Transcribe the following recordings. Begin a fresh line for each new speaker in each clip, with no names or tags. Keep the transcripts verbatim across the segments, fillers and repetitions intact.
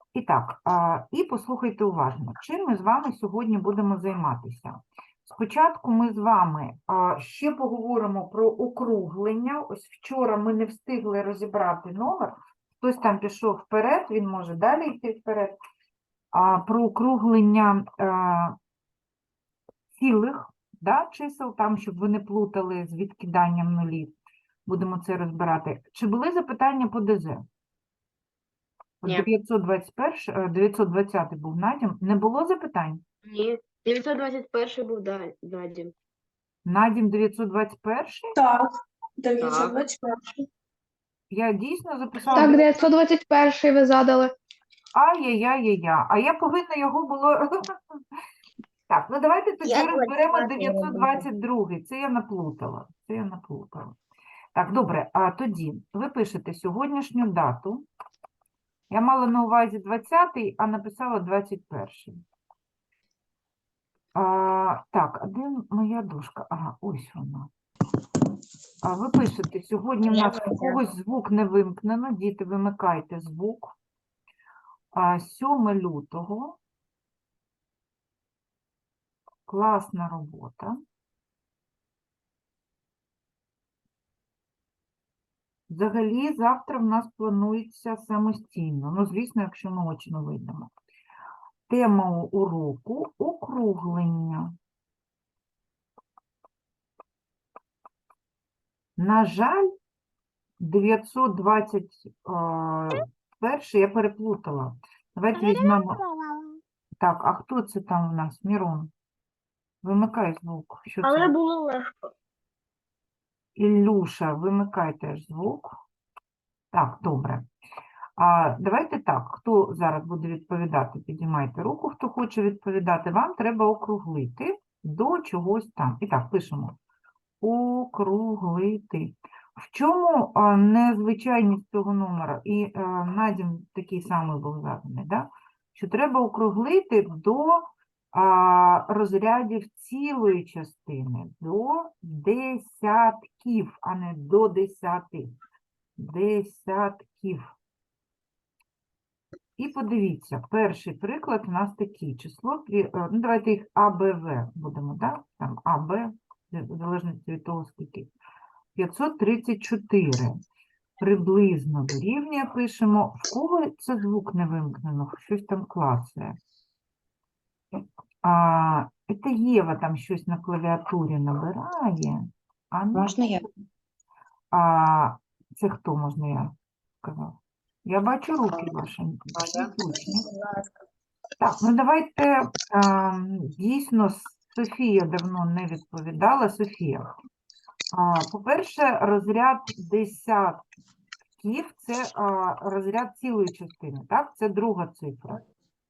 І так, а, і послухайте уважно, чим ми з вами сьогодні будемо займатися. Спочатку ми з вами а, ще поговоримо про округлення. Ось вчора ми не встигли розібрати номер. Хтось там пішов вперед, він може далі йти вперед. А, про округлення а, цілих, да, чисел, там, щоб ви не плутали з відкиданням нулів. Будемо це розбирати. Чи були запитання по ДЗ? От
Ні.
дев'ятсот двадцять перший, дев'ятсот двадцятий був Надім. Не було запитань?
Ні. дев'ятсот двадцять перший був да- Надім.
Надім дев'ятсот двадцять перший?
Так, дев'ятсот двадцять перший.
Я дійсно записала.
Так, дев'ятсот двадцять перший ви задали.
Ай-яй-яй-яй-яй. А я повинна його було... Так, ну давайте тоді
Я
розберемо
двадцять
дев'ятсот двадцять другий. Це я наплутала. Це я наплутала. Так, добре, а тоді ви пишете сьогоднішню дату. Я мала на увазі двадцятий, а написала двадцять перший. А, так, а де моя дошка? Ага, ось вона. А ви пишете, сьогодні в
Я
нас у когось звук не вимкнено. Діти, вимикайте звук. А, сьоме лютого. Класна робота. Взагалі, завтра в нас планується самостійно. Ну, звісно, якщо ми очно вийдемо. Тема уроку – округлення. На жаль, дев'ятсот двадцять перший я переплутала. Давайте візьмемо. Так, а хто це там у нас? Мірон. Вимикай звук. Що
Але
це?
було легко.
Ілюша, вимикай теж звук. Так, добре. А давайте так, хто зараз буде відповідати, підіймайте руку, хто хоче відповідати. Вам треба округлити до чогось там. І так, пишемо. Округлити. В чому а, незвичайність цього номера? І а, Надім такий самий був заданий, да? Що треба округлити до а, розрядів цілої частини, до десятків, а не до десяти. Десятків. І подивіться, перший приклад у нас такий. Число, дві- е, ну давайте їх А, Б, В будемо, так? Там А, Б, в залежності від того, скільки. п'ятсот тридцять чотири. Приблизно дорівнює пишемо. В кого це звук не вимкнено? Щось там клацає. А, це Єва там щось на клавіатурі набирає. А, ну,
Можна я?
а це хто, можна я сказав? Я бачу руки ваші. Всі точні. Так, ну давайте а, дійсно Софія давно не відповідала. Софія. А, по-перше, розряд десятків – це а, розряд цілої частини, так? Це друга цифра.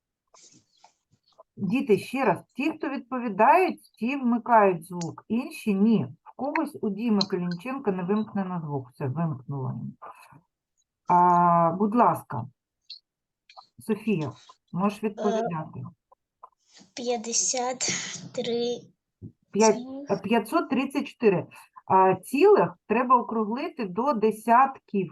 Діти, ще раз, ті, хто відповідають, ті вмикають звук, інші – ні. В когось у Діми Калінченка не вимкнено звук, все, вимкнуло. А, будь ласка, Софія, можеш відповідати.
п'ятдесят три.
П'ять- п'ятсот тридцять чотири. А, цілих треба округлити до десятків.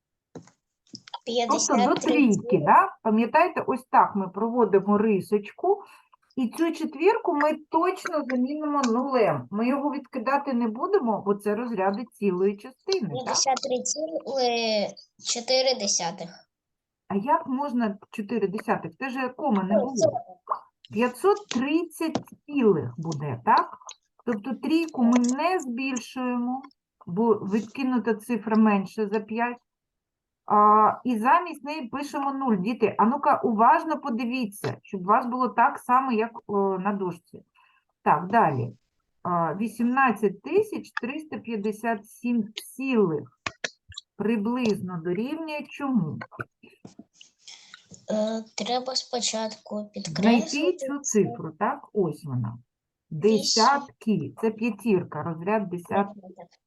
Тобто до трійки, да? Пам'ятаєте, ось так ми проводимо рисочку, і цю четвірку ми точно замінимо нулем. Ми його відкидати не будемо, бо це розряди цілої частини. Так?
п'ятдесят три цілих чотири десятих.
А як можна чотири десятих? Це ж кома не було. п'ятсот тридцять цілих буде, так? Тобто трійку ми не збільшуємо, бо відкинута цифра менше за п'ять. А, і замість неї пишемо нуль. Діти, а ну-ка уважно подивіться, щоб у вас було так само, як о, на дошці. Так, далі. А, вісімнадцять тисяч триста п'ятдесят сім цілих приблизно дорівнює чому?
Е, Треба спочатку
Знайти
підкреслити.
цю цифру, так? Ось вона. Десятки. Це п'ятірка, розряд десятки.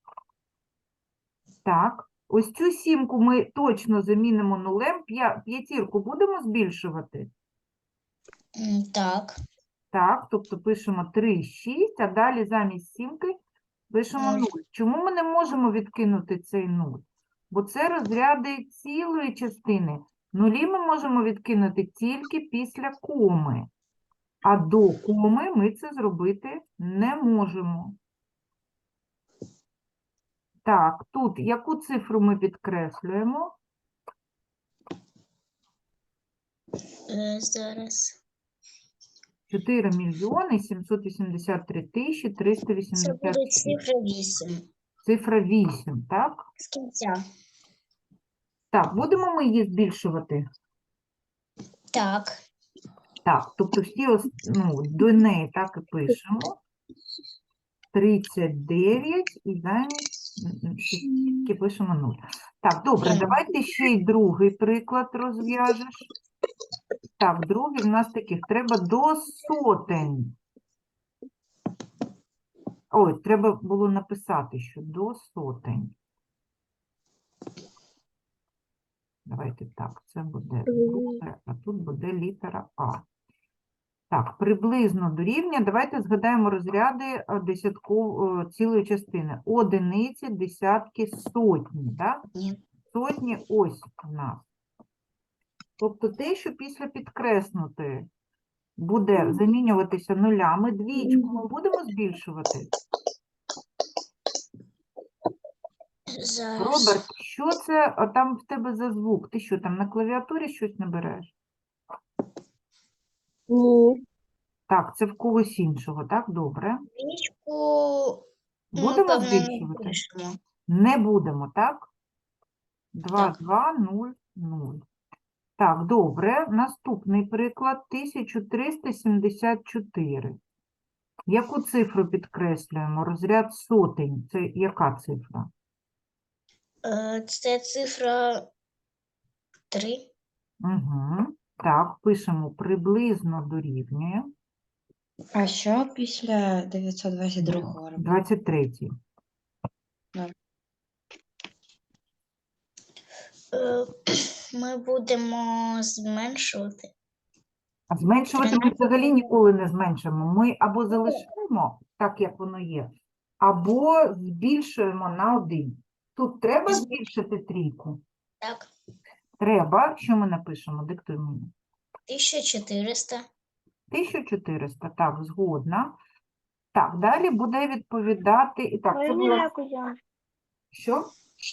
Так. Ось цю сімку ми точно замінимо нулем. П'я- П'ятірку будемо збільшувати?
М, Так.
Так, тобто пишемо три, шість, а далі замість сімки пишемо
Нуль.
нуль. Чому ми не можемо відкинути цей нуль? Бо це розряди цілої частини. Нулі ми можемо відкинути тільки після коми, а до коми ми це зробити не можемо. Так, тут яку цифру ми підкреслюємо?
Е, Зараз.
чотири мільйони сімсот вісімдесят три тисячі триста
Це
вісімдесят
буде
шість.
цифра вісім.
Цифра вісім, так?
З кінця.
Так, будемо ми її збільшувати?
Так.
Так, тобто всі ос- ну, до неї так і пишемо. тридцять дев'ять і замість м, м, шістки пишемо нуль. Так, добре,
Ем.
давайте ще й другий приклад розв'яжеш. Так, другий в нас таких. Треба до сотень. Ой, треба було написати, що до сотень. Давайте так, це буде друге, а тут буде літера А. Так, приблизно дорівнює. Давайте згадаємо розряди е, десятку е, цілої частини. Одиниці, десятки, сотні. Так?
Ні.
Сотні ось у нас. Тобто те, що після підкреснути буде замінюватися нулями, двічку ми будемо збільшувати.
Зараз.
Роберт, що це а там в тебе за звук? Ти що, там на клавіатурі щось набереш?
Ні.
Так, це в когось іншого, так? Добре.
Двічку ми,
Будемо
певно, не
збільшувати?
пишемо.
Не будемо, так? два,
Так.
два, нуль, нуль. Так, добре. Наступний приклад тисяча триста сімдесят чотири. Яку цифру підкреслюємо? Розряд сотень. Це яка цифра?
Е, Це цифра три.
Угу. Так, пишемо приблизно дорівнює.
А що після дев'ятсот двадцять другого робити?
двадцять третій.
Е, Ми будемо зменшувати.
А зменшувати ми взагалі ніколи не зменшимо. Ми або залишаємо так, як воно є, або збільшуємо на один. Тут треба збільшити трійку?
Так.
Треба. Що ми напишемо? Диктуй мені.
тисяча чотириста.
тисяча чотириста. Так, згодна. Так, далі буде відповідати. І так, це було...
Кузян?
Що?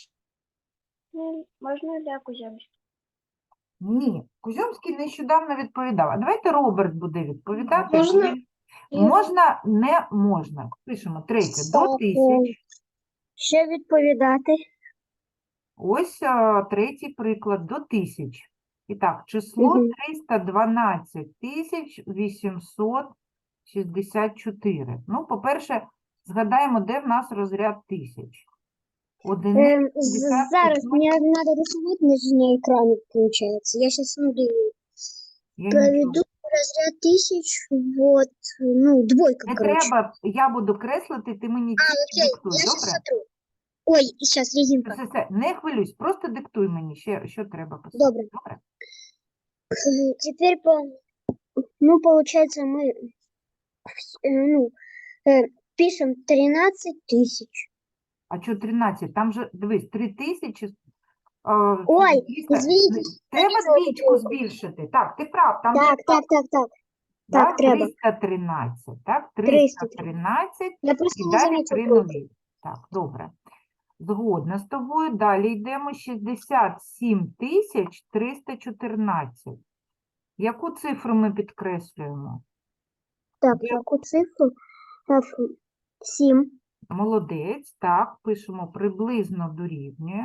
Можна для Кузян?
Ні. Кузьомський нещодавно відповідав. А давайте Роберт буде відповідати. бо
Можна?
він- Можна, не можна. Пишемо третє. До тисяч.
Ще відповідати.
Ось а, третій приклад до тисяч. І так, число
Мгм.
триста дванадцять тисяч вісімсот шістдесят чотири. Ну, по-перше, згадаємо, де в нас розряд тисяч. Одиниці,
Эм,
десятки,
Зараз
сотні.
мне надо рисовать на на экране, получается. Я сейчас смотрю.
Я не
Проведу
чую.
разряд тысяч, вот, ну, двойка,
Не
короче.
треба, я буду креслити, ти мені
А,
тільки
окей,
диктуй,
я сейчас
добре?
сотру. Ой, сейчас резинка.
Все, все, не хвилюйся, просто диктуй мені, ще, що треба писати.
Добре.
Добре?
Э, Теперь, по, ну, получается, мы, э, ну, э, пишем тринадцать тысяч.
А що тринадцять? Там же, дивись, три тисячі. е,
Ой,
двісті.
извините.
Треба
написала
двічку
двойку.
збільшити. Так, ти прав, там
Так, так, так, так.
да,
так, треба.
триста тринадцять, так?
триста
триста тринадцять
Я просто
і
не
далі
заметил
три
тройку.
нулі. Так, добре. Згодна з тобою. Далі йдемо шістдесят сім тисяч триста чотирнадцять. Яку цифру ми підкреслюємо?
Так,
Я-
яку цифру? семь.
Молодець, так, пишемо приблизно дорівнює.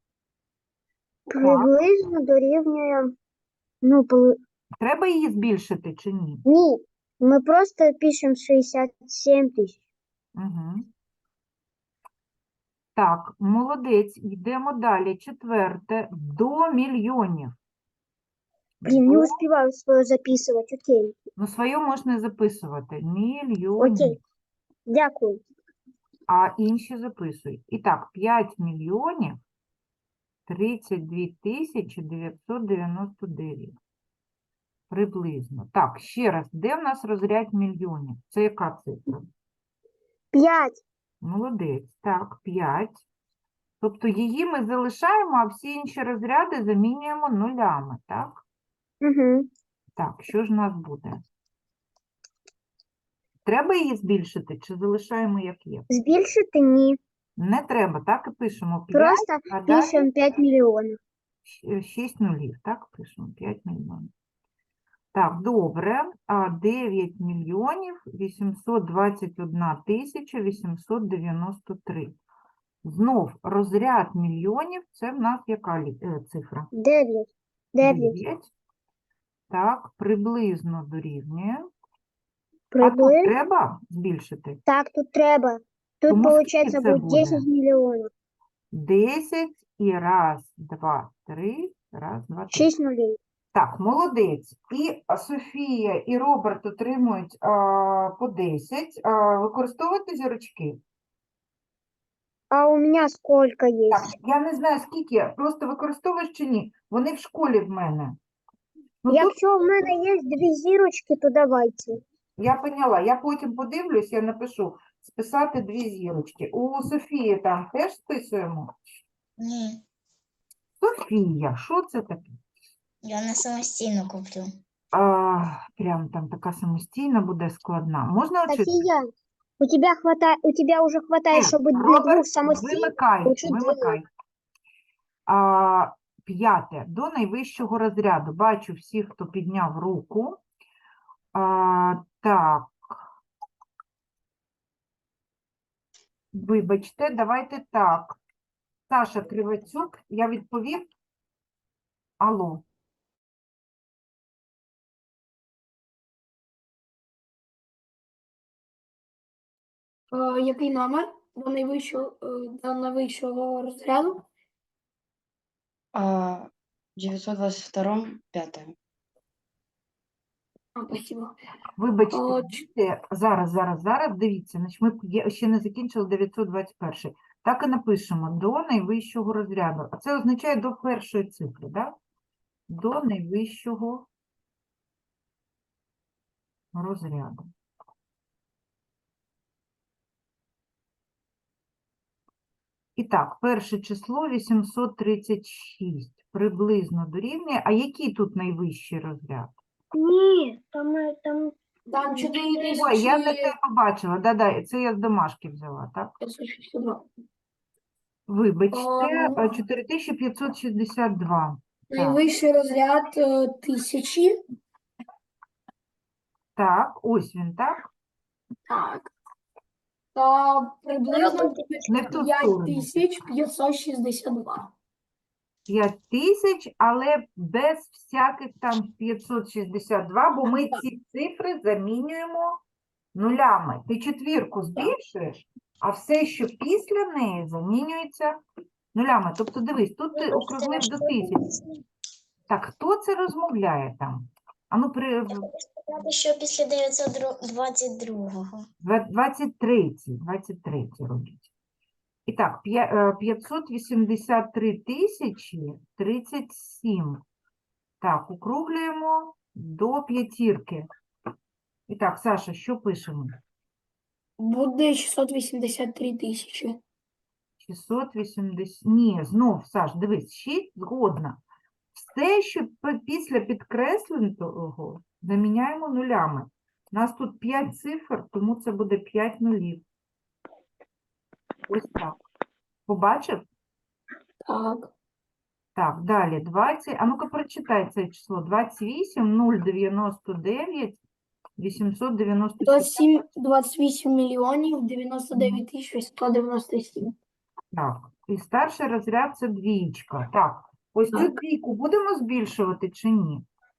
Приблизно дорівнює, ну, полу-
Треба її збільшити чи ні?
ні, ми просто пишемо шістдесят сім тисяч.
Угу. Так, молодець, йдемо далі. Четверте, до мільйонів.
Блін, не
До-
успіваю своє записувати, окей.
Ну, своє можна записувати. Мільйонів.
Окей. Дякую.
А інші записують. І так, п'ять мільйонів тридцять дві тисячі дев'ятсот дев'яносто дев'ять. Приблизно. Так, ще раз, де в нас розряд мільйонів? Це яка цифра?
п'ять.
Молодець. Так, п'ять. Тобто її ми залишаємо, а всі інші розряди замінюємо нулями, так?
Угу.
Так, що ж у нас буде? Треба її збільшити чи залишаємо як є?
Збільшити ні.
Не треба, так і пишемо п'ять,
Просто
а далі
пишемо п'ять мільйонів.
шість нулів, так? Пишемо п'ять мільйонів. Так, добре. А дев'ять мільйонів вісімсот двадцять одна тисяча вісімсот дев'яносто три. Знов розряд мільйонів, це в нас яка лі- е, цифра?
Дев'ять. Дев'ять.
дев'ять. Так, приблизно дорівнює. А тут
Приблизно.
треба збільшити?
Так, тут треба. Тут,
Тому скільки
виходить,
це
буде
буде?
десять мільйонів.
десять і раз, два, три, раз, два, три.
шість нулів.
Так, молодець. І а, Софія, і Роберт отримують а, по десять. А, використовувати зірочки?
А у мене скільки є?
Так, я не знаю, скільки, просто використовуєш чи ні. Вони в школі в мене. Ну, тут
Якщо в мене є дві зірочки, то давайте.
я поняла. Я потім подивлюсь, я напишу списати дві зірочки. У Софії там теж списуємо?
Ні,
Софія, що це таке?
я не самостійно куплю.
А, прям там така самостійна буде складна. Можна оце?
Софія, у тебе хватає, у тебе вже хватає,
Ні,
щоб для
Роберт,
двох самостійних.
Вимикай,
лучше
вимикай. А, п'яте. До найвищого розряду. Бачу всіх, хто підняв руку. А, так. Вибачте, давайте так. Саша Кривацюк, я відповів. Алло.
Е, який номер до найвищого, е, до найвищого розряду?
А, в девятьсот двадцать втором пятое.
А, спасибо.
Вибачте,
О,
дивіться, зараз, зараз, зараз, дивіться, значить, ми є- ще не закінчили дев'ятсот двадцять перший. Так і напишемо до найвищого розряду. А це означає до першої цифри, так? До найвищого розряду. І так, перше число вісімсот тридцять шість приблизно дорівнює. А який тут найвищий розряд?
Ні, там, е, там
Там чотири
Ой, я не
тисячі
те побачила. Да-да, це я з домашки взяла, так?
п'ятсот шістдесят два.
Вибачте,
Ам.
чотири тисячі п'ятсот шістдесят два. Так,
Найвищий розряд е, тисячі.
так, ось він, так?
Так. Та приблизно
Не в ту
п'ять
сторону.
тисяч п'ятсот шістдесят два.
п'ять тисяч, але без всяких там п'ятсот шістдесят два, бо ми ці цифри замінюємо нулями. Ти четвірку збільшуєш, а все, що після неї, замінюється нулями. Тобто, дивись, тут ти округлив до тисячі. Так, хто це розмовляє там? А ну, при...
Сказати, що після дев'ятсот двадцять другого.
Два- двадцять третій, двадцять третій робіть. І так, п'я- е, п'ятсот вісімдесят три тисячі тридцять сім. Так, округлюємо до п'ятірки. І так, Саша, що пишемо?
Буде шістсот вісімдесят три тисячі.
шістсот вісімдесят. Ні, знов, Саш, дивись, шість згодна. Все, що пи- після підкресленого, заміняємо нулями. У нас тут п'ять цифр, тому це буде п'ять нулів. Ось так. Побачив?
Так.
Так, далі двадцять. А ну-ка прочитай це число. двадцять вісім, нуль дев'яносто дев'ять, вісімсот дев'яносто сім.
двадцять сім, двадцять вісім мільйонів дев'яносто дев'ять тисяч сто дев'яносто сім.
Так, і старший розряд це двічка. Так, ось цю
Так.
двійку будемо збільшувати чи ні?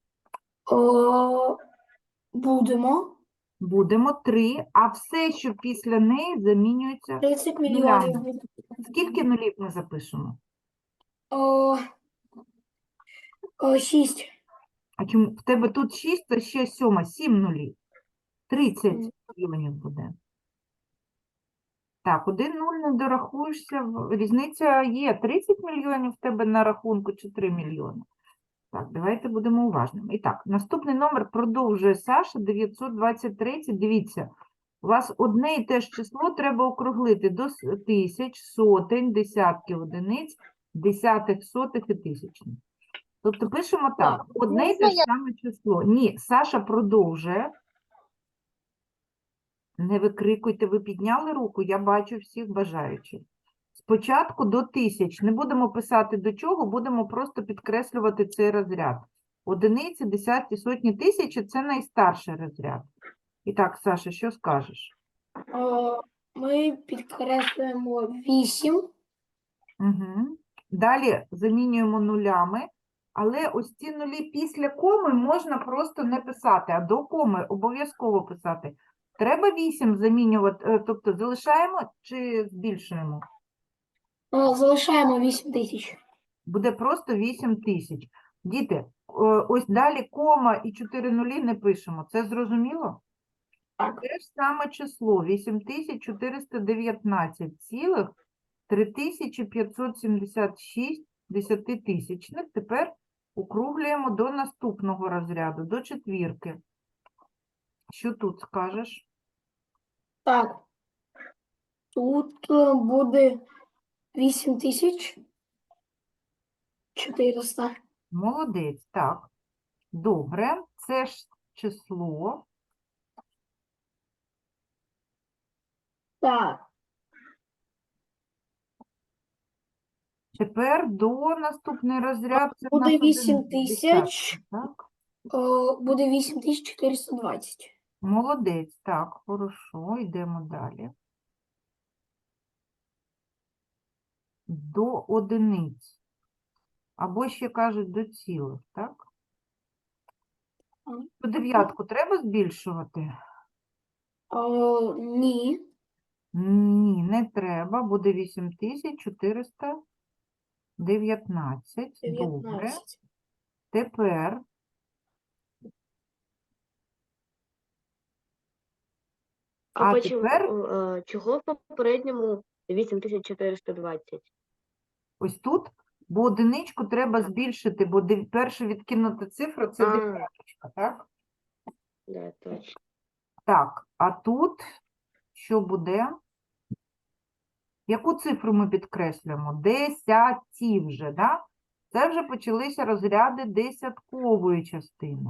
О, будемо.
Будемо три, а все, що після неї, замінюється.
тридцять
Нулями.
мільйонів.
Скільки нулів ми запишемо?
О, о, шість.
А чому в тебе тут шість, то ще сьома, сім нулів. тридцять мільйонів буде. Так, один нуль не дорахуєшся. в- Різниця є. тридцять мільйонів в тебе на рахунку чи три мільйони. Так, давайте будемо уважними. І так, наступний номер продовжує Саша, дев'ятсот двадцять три. Дивіться, У вас одне і те ж число треба округлити до с- тисяч, сотень, десятків одиниць, десятих, сотих і тисячних. Тобто пишемо так, одне і те ж саме число. Ні, Саша продовжує. Не викрикуйте, ви підняли руку, я бачу всіх бажаючих. Спочатку до тисяч. Не будемо писати до чого, будемо просто підкреслювати цей розряд. Одиниці, десятки, сотні, тисячі – це найстарший розряд. І так, Саша, що скажеш?
Е, Ми підкреслюємо вісім.
Угу. Далі замінюємо нулями, але ось ці нулі після коми можна просто не писати, а до коми обов'язково писати. Треба вісім замінювати, е, тобто залишаємо чи збільшуємо?
Е, Залишаємо вісім тисяч.
Буде просто вісім тисяч. Діти, е, ось далі кома і чотири нулі не пишемо. Це зрозуміло?
Так.
Те ж саме число вісім тисяч чотириста дев'ятнадцять цілих три тисячі п'ятсот сімдесят шість десятитисячних. Тепер округлюємо до наступного розряду, до четвірки. Що тут скажеш?
Так. Тут е, буде вісім тисяч чотириста.
Молодець, так. Добре, це ж число.
Так.
Тепер до наступний розряд. Це в
Буде
нас
вісім
один
тисяч.
десятки, так?
Е, Буде вісім тисяч чотириста двадцять.
Молодець, так, хорошо, йдемо далі. До одиниць. Або ще кажуть до цілих, так?
Ага.
По дев'ятку треба збільшувати?
Е, Ні.
Ні, не треба. Буде вісім тисяч чотириста дев'ятнадцять. Добре.
дев'ятнадцять.
Тепер
А,
А
почему,
тепер
е, чого в попередньому вісім тисяч чотириста двадцять?
ось тут, бо одиничку треба збільшити, бо дев- перша відкинута цифра – це
А.
дев'яточка, так?
Да, точно.
Так, а тут що буде? Яку цифру ми підкреслюємо? Десяті вже, да? Це вже почалися розряди десяткової частини.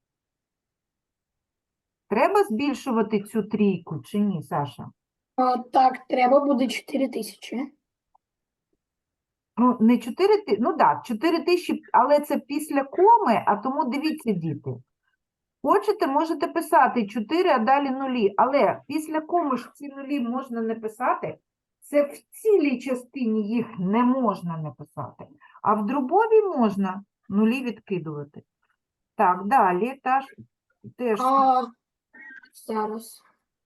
Треба збільшувати цю трійку чи ні, Саша?
Е, Так, треба буде чотири тисячі.
Ну, не чотири тисячі, ну так, чотири тисячі, але це після коми, а тому дивіться, діти. Хочете, можете писати чотири, а далі нулі, але після коми ж ці нулі можна не писати. Це в цілій частині їх не можна не писати, а в дробовій можна нулі відкидувати. Так, далі та ж, теж
А, зараз.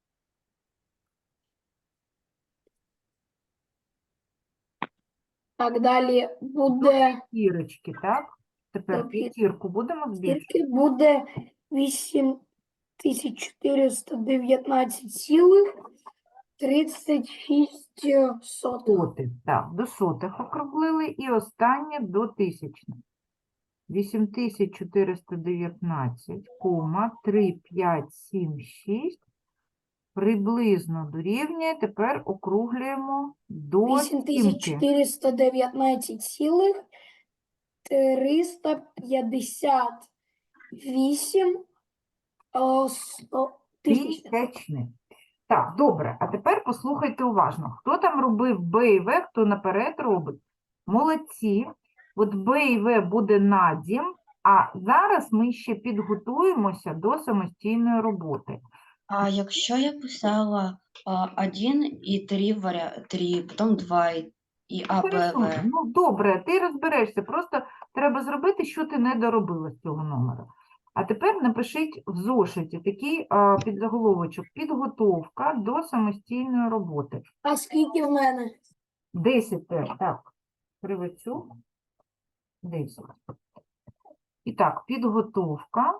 Так, далі буде
п'ятірочки, так? Тепер
До п'ят-
п'ятірку будемо збільшувати.
скільки буде вісім тисяч чотириста дев'ятнадцять цілих тридцять шість сотих.
Сотих, так, до сотих округлили і останнє до тисячних. вісім тисяч чотириста дев'ятнадцять, кома, три, п'ять, сім, шість приблизно дорівнює, тепер округлюємо до
вісім тисяч
сімки.
чотириста дев'ятнадцять цілих триста п'ятдесят вісім е, сто тисяч.
Тисячних. Так, добре, а тепер послухайте уважно. Хто там робив Б і В, хто наперед робить? Молодці. От Б і В буде надім, а зараз ми ще підготуємося до самостійної роботи.
А якщо я писала один і три варя... три, потім два і, і А, Б,
Хорошо,
В.
ну добре, ти розберешся, просто треба зробити, що ти не доробила з цього номера. А тепер напишіть в зошиті такий а, підзаголовочок «Підготовка до самостійної роботи».
А скільки в мене?
десять теж, так, кривицю, десять. І так, підготовка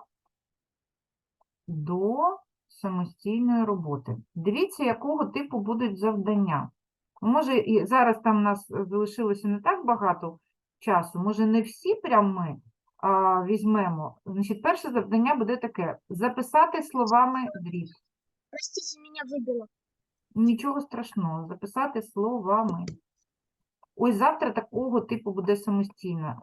до самостійної роботи. Дивіться, якого типу будуть завдання. Може, і зараз там у нас залишилося не так багато часу, може, не всі прям ми а, візьмемо. Значить, перше завдання буде таке: записати словами дріб.
Простите, меня выбило.
Нічого страшного, записати словами. Ось завтра такого типу буде самостійно.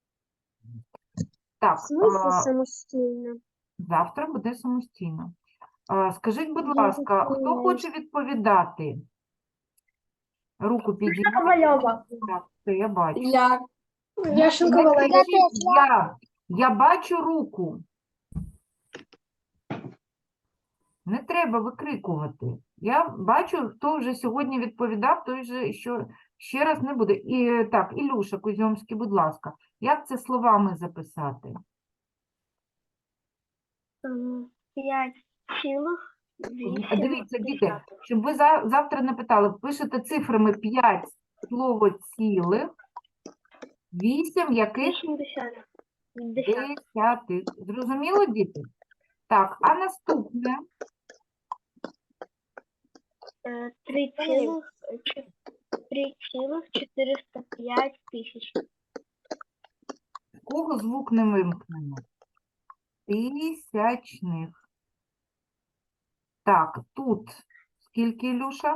Так,
В смысле
а,
самостійно?
завтра буде самостійно. А, скажіть, будь
Я
ласка, хто
записалась.
хоче відповідати? Руку підійміть.
Ковальова.
Так, це я бачу.
Я.
Не-
Яшенко
не
Валерій.
кричіть, Я, я бачу руку. Не треба викрикувати. Я бачу, хто вже сьогодні відповідав, той же що ще раз не буде. І так, Ілюша Кузьомський, будь ласка, як це словами записати?
П'ять цілих
А Дивіться, діти, щоб ви за, завтра не питали, пишете цифрами п'ять слово цілих, вісім яких
вісімдесят.
десятих. Зрозуміло, діти? Так, а наступне?
Три цілих три цілих чотириста п'ять тисяч.
В кого звук не вимкнено? Тисячних. Так, тут скільки, Ілюша?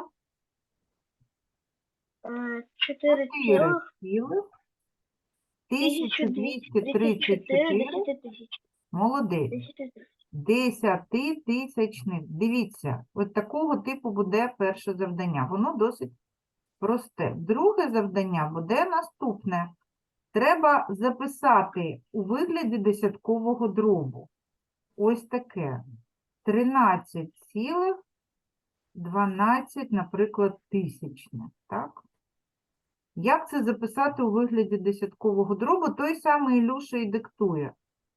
Чотири
Чотири
цілих
цілих.
тисячу
тисяча
двісті
двісті
тридцять
тридцять
чотири
чотири.
десяти тисяч.
Молодець.
Десяти тисяч.
Десятитисячних. Дивіться, от такого типу буде перше завдання. Воно досить просте. Друге завдання буде наступне. Треба записати у вигляді десяткового дробу. Ось таке. тринадцять цілих дванадцять, наприклад, тисячних. Так? Як це записати у вигляді десяткового дробу? Той самий Ілюша і диктує.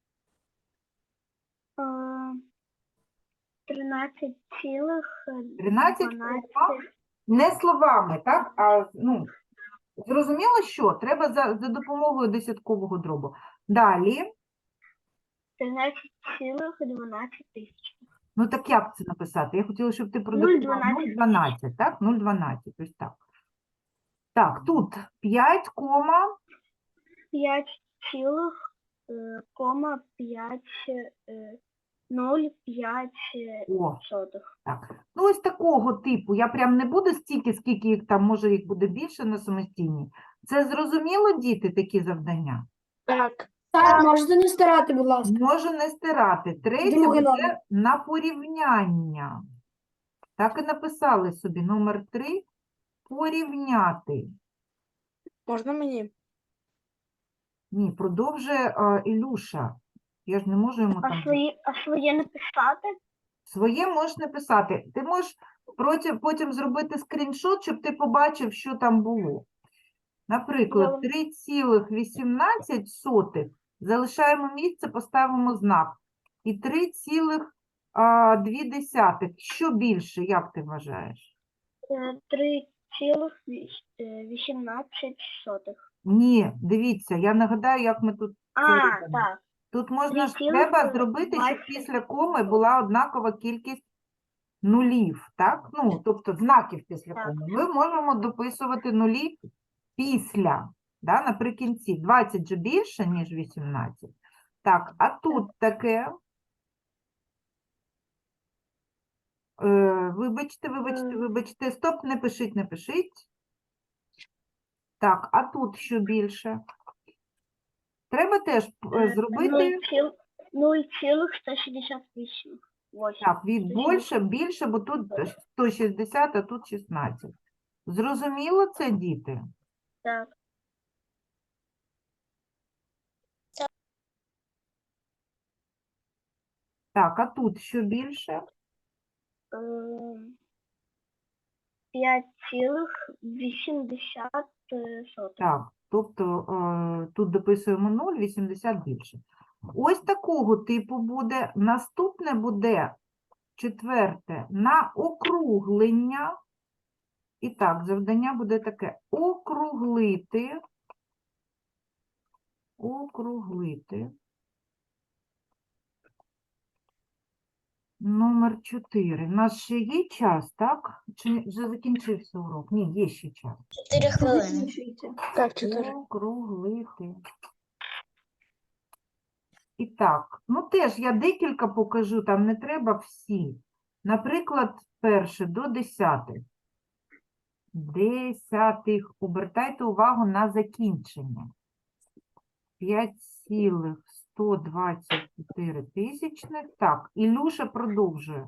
Тринадцять цілих
тринадцять
дванадцять.
Не словами, так? А, ну, зрозуміло, що? Треба за, за допомогою десяткового дробу. Далі.
Тринадцять цілих дванадцять тисяч.
Ну, так як це написати? Я хотіла, щоб ти
нуль
продиктував
дванадцять.
нуль дванадцять, так? нуль дванадцять, ось так. Так, тут п'ять, кома,
П'ять цілих е, кома п'ять е, нуль п'ять е,
о,
сотих.
так. Ну, ось такого типу. Я прям не буду стільки, скільки їх там, може, їх буде більше на самостійній. Це зрозуміло, діти, такі завдання?
Так. Так, можете не старати, будь ласка.
Можу не стирати. Третє
Другий
буде
номер.
на порівняння. Так і написали собі. Номер три – порівняти.
Можна мені?
Ні, продовжує а, Ілюша. Я ж не можу йому
А
там...
свої, а своє написати?
Своє можеш написати. Ти можеш проти- потім зробити скріншот, щоб ти побачив, що там було. Наприклад,
Добре.
три цілих вісімнадцять сотих залишаємо місце, поставимо знак. І три цілих дві десятих. Що більше, як ти вважаєш?
Е, Три цілих віс- е, вісімнадцять сотих.
Ні, дивіться, я нагадаю, як ми тут це
А,
робимо.
так.
Тут можна ж,
Три цілих,
треба
е,
зробити, щоб
двадцять.
після коми була однакова кількість нулів, так? Ну, тобто знаків після
Так.
коми. Ми можемо дописувати нулі після, да, наприкінці. двадцять же більше, ніж вісімнадцять. Так, а тут таке. Е, вибачте, вибачте,
Е.
вибачте. Стоп, не пишіть, не пишіть. Так, а тут що більше? Треба теж е, зробити,
нуль цілих сто шістдесят вісім. Восемь.
так, від більше, більше, бо тут сто шістдесят, а тут шістнадцять. Зрозуміло це, діти?
Так.
Так, а тут що більше?
Е, П'ять цілих вісімдесят сотих.
Так, тобто е, тут дописуємо нуль, вісімдесят більше. Ось такого типу буде. Наступне буде четверте на округлення. І так, завдання буде таке: округлити, округлити. Номер чотири. У нас ще є час, так? Чи вже закінчився урок? Ні, є ще час.
Чотири хвилини.
Так, чотири.
Округлити. І так, ну теж я декілька покажу, там не треба всі. Наприклад, перше до десятих. Десятих. Обертайте увагу на закінчення. п'ять цілих сто двадцять чотири тисячних. Так, Ілюша продовжує.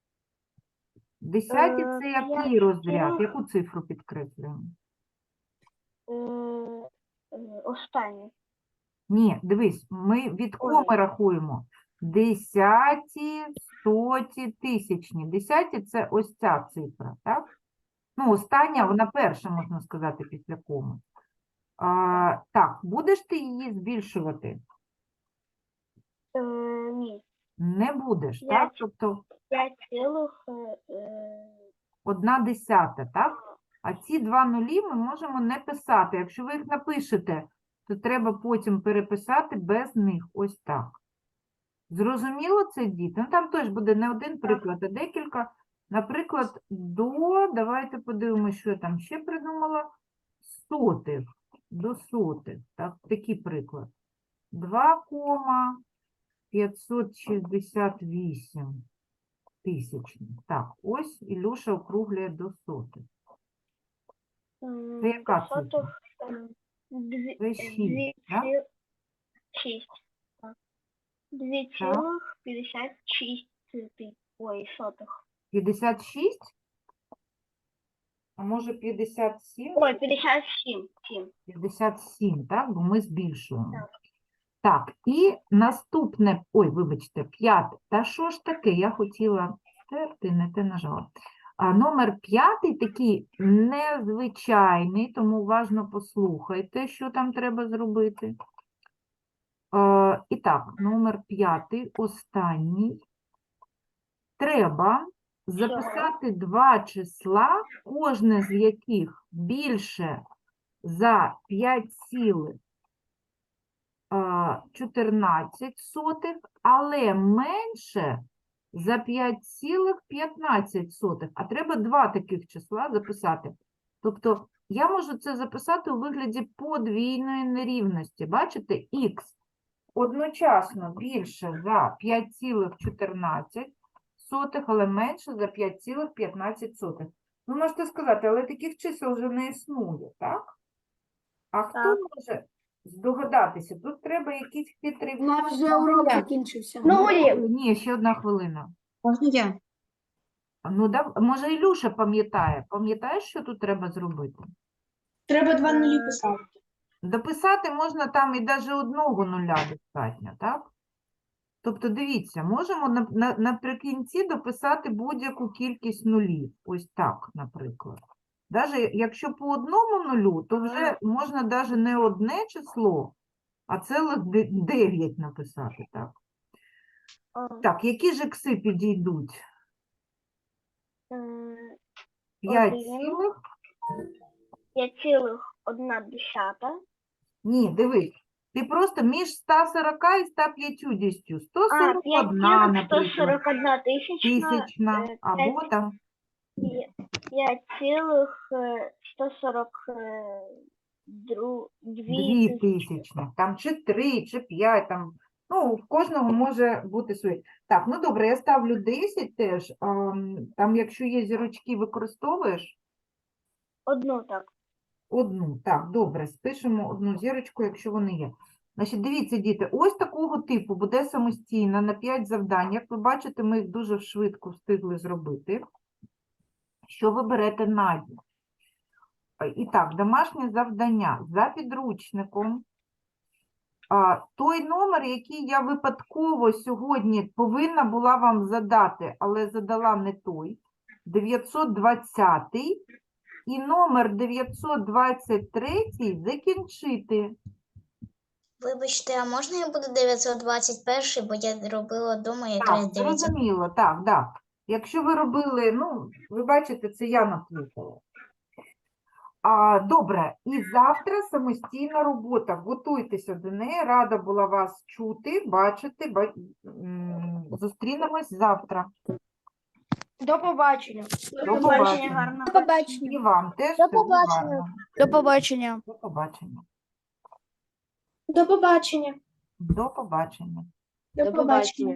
Десяті
Е,
це який
п'ять
розряд?
цілих-
Яку цифру підкреслюємо?
Е, е, Останнє.
Ні, дивись, ми від
Ой.
коми рахуємо. Десяті, стоті, тисячні. Десяті – це ось ця цифра, так? Ну, остання, вона перша, можна сказати, після коми. А, так, будеш ти її збільшувати?
Е, Ні.
Не будеш, так?
П'ять.
Тобто
П'ять цілих е, е,
одна десята, так? А ці два нулі ми можемо не писати. Якщо ви їх напишете, то треба потім переписати без них. Ось так. Зрозуміло це, діти? Ну, там теж буде не один приклад, а декілька. Наприклад, до, давайте подивимося, що я там ще придумала. Сотих, до сотих. Так, такий приклад. два кома п'ятсот шістдесят вісім тисячних. Так, ось Ілюша округлює до сотих.
м,
Це яка
до сотих,
цифра?
е, дві-
Це
е,
шість,
дві
так?
ці- шість. Так. Дві
Так.
цілих п'ятдесят шість ти- ой, сотих.
п'ятдесят шість? А може п'ятдесят сім?
Ой, п'ятдесят сім. сім.
п'ятдесят сім, так? Бо ми збільшуємо.
Так.
Так, і наступне, ой, вибачте, п'яте. Та що ж таке? Я хотіла стерти, не те нажала. А номер п'ятий такий незвичайний, тому уважно послухайте, що там треба зробити. Е, і так, номер п'ятий, останній. Треба записати два числа, кожне з яких більше за п'ять цілих чотирнадцять сотих, але менше за п'ять цілих п'ятнадцять сотих. А треба два таких числа записати. Тобто я можу це записати у вигляді подвійної нерівності. Бачите, х одночасно більше за п'ять цілих чотирнадцять сотих, але менше за п'ять цілих п'ятнадцять сотих. Ви можете сказати, але таких чисел вже не існує, так? А хто
Так.
може здогадатися? Тут треба якісь хитрий...
У нас вже урок закінчився.
Ні, ще одна хвилина.
Можна я?
Ну, да, може, Ілюша пам'ятає. Пам'ятаєш, що тут треба зробити?
Треба два
нулі
писати.
Дописати можна там і навіть одного нуля достатньо, так? Тобто, дивіться, можемо на, на, наприкінці дописати будь-яку кількість нулів. Ось так, наприклад. Навіть якщо по одному нулю, то вже можна навіть не одне число, а цілих де- дев'ять написати, так?
О,
Так, які ж ікси підійдуть?
м,
п'ять
Один.
цілих?
п'ять цілих одна десята.
Ні, дивись. Ти просто між ста сорока і ста п'ятдесятью. сто
А,
сорок
п'ять
одна,
цілих сто
наприклад,
сорок одна тисячна.
тисячна,
е,
або там
п'ять цілих е, сто сорок е, дру- дві
дві
тисячі.
тисячних, там чи три, чи п'ять, там, ну, в кожного може бути своє. Так, ну добре, я ставлю десять теж, ам, там, якщо є зірочки, використовуєш
Одну так.
одну. Так, добре, спишемо одну зірочку, якщо вони є. Значить, дивіться, діти, ось такого типу буде самостійно на п'ять завдань. Як ви бачите, ми їх дуже швидко встигли зробити. Що ви берете на дім? І так, домашнє завдання за підручником. А, той номер, який я випадково сьогодні повинна була вам задати, але задала не той, дев'ятсот двадцятий, і номер дев'ятсот двадцять три закінчити.
Вибачте, а можна я буду дев'ятсот двадцять перший, бо я робила вдома якраз
Так,
дев'ятсот.
зрозуміло, так, так. Якщо ви робили, ну, ви бачите, це я наплутала. А, добре, і завтра самостійна робота. Готуйтеся до неї. Рада була вас чути, бачити. Ба... м, Зустрінемось завтра.
До побачення.
До побачення.
гарно.
До побачення.
І вам теж.
До
всього
побачення.
гарного.
До побачення.
До побачення.
До побачення.
До побачення.
До побачення.